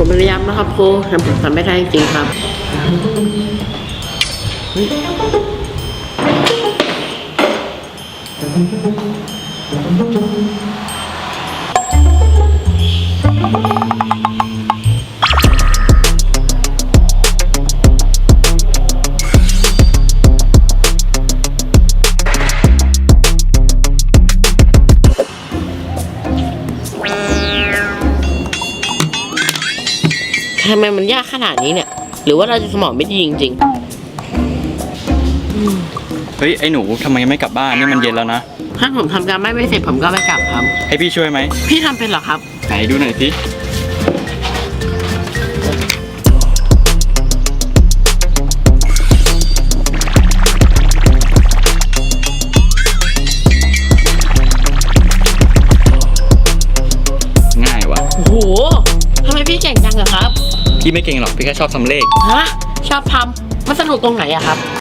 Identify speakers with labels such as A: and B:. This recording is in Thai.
A: ผมพยายามนะครับครูแต่ผมทำไม่ได้จริงๆครับทำไมมันยากขนาดนี้เนี่ยหรือว่าเราจะสมองไม่ดีจริง
B: เฮ้ยไอ้หนูทำไมไม่กลับบ้านนี่มันเย็นแล้วนะ
A: ๆถ้าผมทำการไม่เสร็จผมก็ไม่กลับครับ
B: ให้พี่ช่วยไหม
A: พี่ทำเป็นเหรอครับ
B: ไหนดูหน่อยสิง่ายว่ะ
A: โอ้โหทำไมพี่เก่งจังอะครับ
B: พี่ไม่เก่งหรอกพี่แค่ชอบทำเลข
A: ฮะชอบทำมันสนุกตรงไหนอะครับ